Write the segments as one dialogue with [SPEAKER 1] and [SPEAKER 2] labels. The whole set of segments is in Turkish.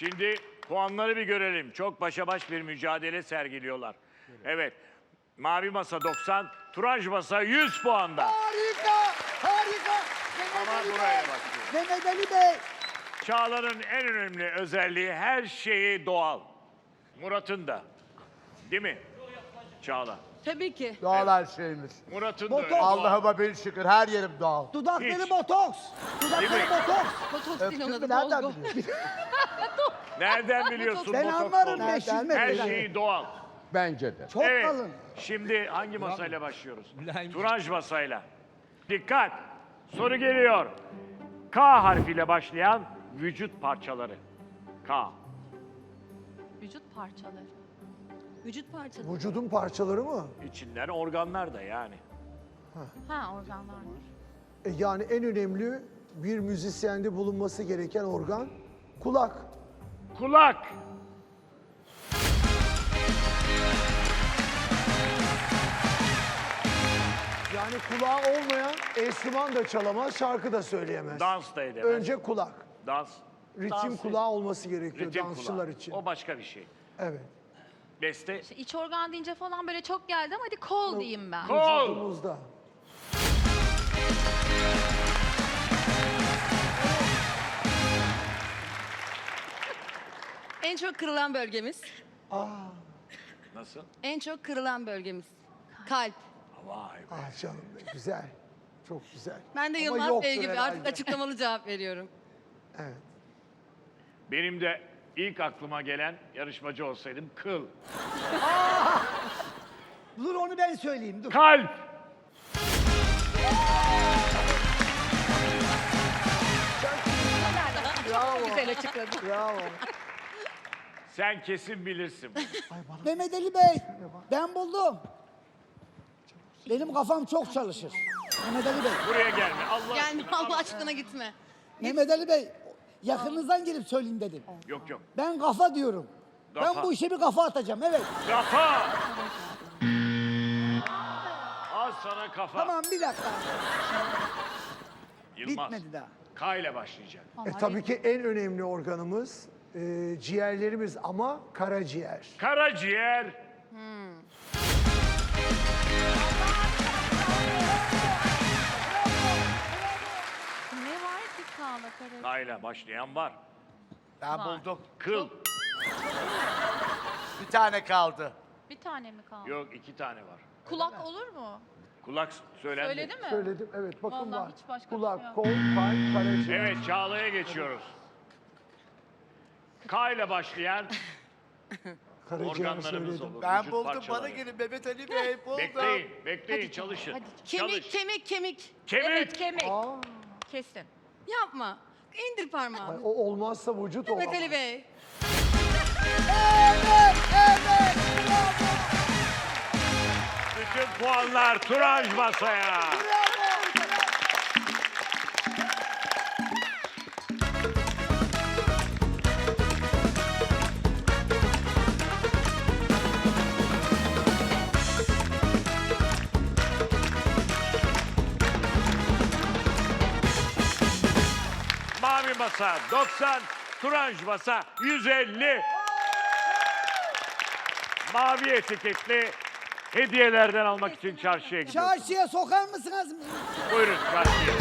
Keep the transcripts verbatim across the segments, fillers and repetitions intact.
[SPEAKER 1] Şimdi puanları bir görelim. Çok başa baş bir mücadele sergiliyorlar. Evet. Mavi masa doksan, turuncu masa yüz puanda.
[SPEAKER 2] Harika, harika. Mehmet
[SPEAKER 1] Ama
[SPEAKER 2] Ali
[SPEAKER 1] buraya
[SPEAKER 2] Bey.
[SPEAKER 1] bakıyor.
[SPEAKER 2] Mehmet Ali Bey.
[SPEAKER 1] Çağla'nın en önemli özelliği her şeyi doğal. Murat'ın da. Değil mi? Çağla.
[SPEAKER 3] Tabii ki.
[SPEAKER 4] Doğal her şeyimiz.
[SPEAKER 1] Murat'ın da
[SPEAKER 2] Botoks.
[SPEAKER 1] öyle. doğal.
[SPEAKER 4] Allah'ıma bin şükür her yerim doğal.
[SPEAKER 2] Dudakları
[SPEAKER 1] Hiç.
[SPEAKER 2] botoks.
[SPEAKER 1] Değil
[SPEAKER 2] Dudakları
[SPEAKER 1] mi?
[SPEAKER 2] botoks.
[SPEAKER 3] Botoks değil
[SPEAKER 4] Öptün
[SPEAKER 3] ona
[SPEAKER 4] mü
[SPEAKER 3] da
[SPEAKER 4] nereden
[SPEAKER 3] dolgu.
[SPEAKER 4] biliyorsun?
[SPEAKER 1] Nereden biliyorsun
[SPEAKER 2] Ben
[SPEAKER 1] botoks
[SPEAKER 2] anlarım
[SPEAKER 1] olduğunu?
[SPEAKER 2] beşilme.
[SPEAKER 1] Her şeyi doğal.
[SPEAKER 4] Bence de.
[SPEAKER 2] Çok
[SPEAKER 1] Evet.
[SPEAKER 2] kalın.
[SPEAKER 1] Şimdi hangi masayla başlıyoruz? Turanj masayla. Dikkat. Soru geliyor. K harfiyle başlayan vücut parçaları. K.
[SPEAKER 3] Vücut parçaları. Vücut parçaları.
[SPEAKER 2] Vücudun parçaları mı?
[SPEAKER 1] İçinden organlar da yani.
[SPEAKER 3] Ha organlar var.
[SPEAKER 2] E yani en önemli bir müzisyende bulunması gereken organ kulak.
[SPEAKER 1] Kulak.
[SPEAKER 2] Yani kulağı olmayan enstrüman da çalamaz, şarkı da söyleyemez.
[SPEAKER 1] Dans da edemez.
[SPEAKER 2] Önce kulak.
[SPEAKER 1] Dans.
[SPEAKER 2] Ritim
[SPEAKER 1] Dans-
[SPEAKER 2] kulağı olması gerekiyor
[SPEAKER 1] Ritim
[SPEAKER 2] dansçılar
[SPEAKER 1] kulağı.
[SPEAKER 2] için.
[SPEAKER 1] O başka bir şey.
[SPEAKER 2] Evet.
[SPEAKER 1] Beste.
[SPEAKER 3] İşte iç organ deyince falan böyle çok geldi ama hadi kol diyeyim ben.
[SPEAKER 1] Kol.
[SPEAKER 2] Vücudumuzda.
[SPEAKER 3] En çok kırılan bölgemiz.
[SPEAKER 1] Nasıl?
[SPEAKER 3] En çok kırılan bölgemiz. Kalp.
[SPEAKER 1] Vay be.
[SPEAKER 2] Ah canım be, güzel. Çok güzel.
[SPEAKER 3] Ben de
[SPEAKER 2] Ama
[SPEAKER 3] Yılmaz
[SPEAKER 2] yoktur
[SPEAKER 3] Bey gibi
[SPEAKER 2] herhalde.
[SPEAKER 3] artık açıklamalı cevap veriyorum.
[SPEAKER 2] Evet.
[SPEAKER 1] Benim de ilk aklıma gelen yarışmacı olsaydım kıl.
[SPEAKER 2] Dur onu ben söyleyeyim. Dur.
[SPEAKER 1] Kalp.
[SPEAKER 3] Güzel açıkladı.
[SPEAKER 2] Bravo.
[SPEAKER 1] Sen kesin bilirsin.
[SPEAKER 5] Mehmet Ali Bey, ben buldum. Benim kafam çok çalışır. Mehmet Ali Bey,
[SPEAKER 1] Buraya gelme. Allah
[SPEAKER 3] Gelme
[SPEAKER 1] aşkına.
[SPEAKER 3] Allah aşkına gitme.
[SPEAKER 5] Mehmet Ali Bey, yakınınızdan gelip söyleyin dedim.
[SPEAKER 1] Yok yok.
[SPEAKER 5] Ben kafa diyorum.
[SPEAKER 1] Kafa.
[SPEAKER 5] Ben bu işe bir kafa atacağım, evet.
[SPEAKER 1] Kafa. Al sana kafa.
[SPEAKER 5] Tamam, bir dakika.
[SPEAKER 1] Yılmaz.
[SPEAKER 5] Bitmedi daha.
[SPEAKER 1] K ile başlayacak.
[SPEAKER 2] E, tabii ki en önemli organımız e, ciğerlerimiz ama karaciğer.
[SPEAKER 1] Karaciğer.
[SPEAKER 3] Ne var ki sağla karı?
[SPEAKER 1] K ile başlayan var.
[SPEAKER 4] Ben
[SPEAKER 3] Var.
[SPEAKER 4] buldum.
[SPEAKER 1] Kıl.
[SPEAKER 4] Bir tane kaldı.
[SPEAKER 3] Bir tane mi kaldı?
[SPEAKER 1] Yok iki tane var.
[SPEAKER 3] Kulak olur mu?
[SPEAKER 1] Kulak söylendi.
[SPEAKER 3] Söyledi mi?
[SPEAKER 2] Söyledim, evet bakın
[SPEAKER 3] Vallahi
[SPEAKER 2] var.
[SPEAKER 3] hiç başka bir
[SPEAKER 2] Kulak,
[SPEAKER 3] şey yok.
[SPEAKER 2] kol, kalp, karaciğer.
[SPEAKER 1] Evet Çağla'ya geçiyoruz. K ile başlayan
[SPEAKER 2] Karaciğer
[SPEAKER 1] organlarımız
[SPEAKER 2] söyledim.
[SPEAKER 1] olur.
[SPEAKER 4] Ben
[SPEAKER 1] vücut
[SPEAKER 4] buldum.
[SPEAKER 1] parçaları.
[SPEAKER 4] Bana gelin Mehmet Ali Bey buldum.
[SPEAKER 1] Bekleyin, bekleyin, çalışın.
[SPEAKER 3] Hadi. Kemik,
[SPEAKER 1] Çalış.
[SPEAKER 3] kemik, kemik.
[SPEAKER 1] Kemik.
[SPEAKER 3] Evet, kemik.
[SPEAKER 2] Aa,
[SPEAKER 3] Kesin. Yapma. İndir
[SPEAKER 2] ay,
[SPEAKER 3] parmağını.
[SPEAKER 2] o olmazsa vücut
[SPEAKER 3] Mehmet
[SPEAKER 2] olamaz.
[SPEAKER 3] Ali Bey.
[SPEAKER 1] Bütün puanlar Turanj masaya. Mavi masa doksan, Turanj masa yüz elli. Mavi etiketli hediyelerden almak için çarşıya gidiyoruz.
[SPEAKER 5] Çarşıya sokar mısınız?
[SPEAKER 1] Buyurun çarşıya.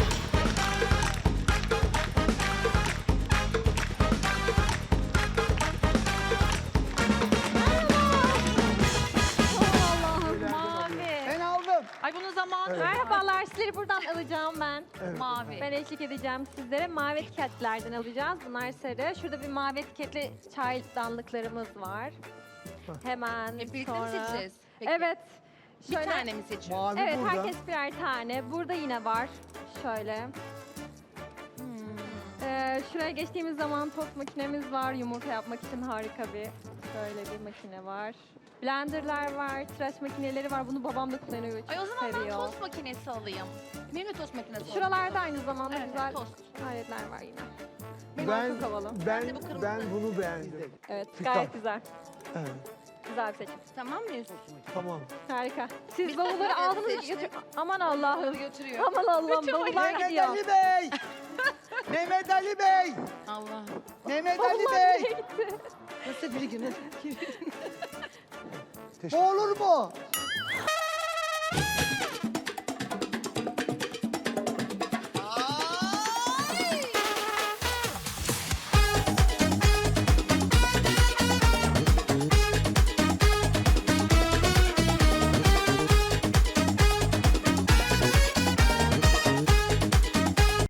[SPEAKER 6] Allah'ım mavi.
[SPEAKER 5] Ben aldım.
[SPEAKER 3] Ay bunun zamanı
[SPEAKER 6] Merhabalar, sizleri buradan alacağım ben.
[SPEAKER 3] mavi.
[SPEAKER 6] Ben eşlik edeceğim sizlere. Mavi etiketlerden alacağız. Bunlar sarı. Şurada bir mavi etiketli çaydanlıklarımız var. Hemen
[SPEAKER 3] Hep birlikte mi
[SPEAKER 6] sonra.
[SPEAKER 3] seçeceğiz? Peki.
[SPEAKER 6] Evet.
[SPEAKER 3] Bir
[SPEAKER 6] Şöyle-
[SPEAKER 3] tane mi seçiyoruz?
[SPEAKER 2] Mavi
[SPEAKER 6] Evet,
[SPEAKER 2] burada.
[SPEAKER 6] herkes birer tane. Burada yine var. Şöyle.
[SPEAKER 3] Hmm.
[SPEAKER 6] Ee, şuraya geçtiğimiz zaman tost makinemiz var. Yumurta yapmak için harika bir böyle bir makine var. Blenderlar var, tıraş makineleri var. Bunu babam da kullanıyor. Çok
[SPEAKER 3] Ay o zaman ben
[SPEAKER 6] seviyor.
[SPEAKER 3] tost makinesi alayım. Benim de tost makinesi olsun.
[SPEAKER 6] Şuralarda aynı zamanda
[SPEAKER 3] Evet,
[SPEAKER 6] güzel
[SPEAKER 3] tost.
[SPEAKER 6] aletler var yine. Bunlar
[SPEAKER 2] Ben,
[SPEAKER 6] çok havalı.
[SPEAKER 2] ben,
[SPEAKER 3] Ben de bu kırmızı.
[SPEAKER 2] ben bunu beğendim.
[SPEAKER 6] Evet,
[SPEAKER 2] Fikar.
[SPEAKER 6] gayet güzel.
[SPEAKER 2] Evet,
[SPEAKER 6] Güzel bir seçim.
[SPEAKER 3] Tamam mıyız?
[SPEAKER 2] tamam.
[SPEAKER 6] Harika. Siz
[SPEAKER 3] Biz
[SPEAKER 6] bavulları
[SPEAKER 3] de
[SPEAKER 6] aldınız mı?
[SPEAKER 3] seçtik.
[SPEAKER 6] Götür- Aman Allah'ım.
[SPEAKER 3] Götürüyor.
[SPEAKER 6] Aman Allah'ım, bavullar
[SPEAKER 5] Mehmet
[SPEAKER 6] gidiyor.
[SPEAKER 5] Ali Bey. Mehmet Ali Bey.
[SPEAKER 3] Allah.
[SPEAKER 5] Mehmet Ali
[SPEAKER 6] Bavullar nereye
[SPEAKER 5] Bey.
[SPEAKER 6] gitti?
[SPEAKER 7] Geri girin.
[SPEAKER 2] Teşekkür
[SPEAKER 5] Bu olur mu?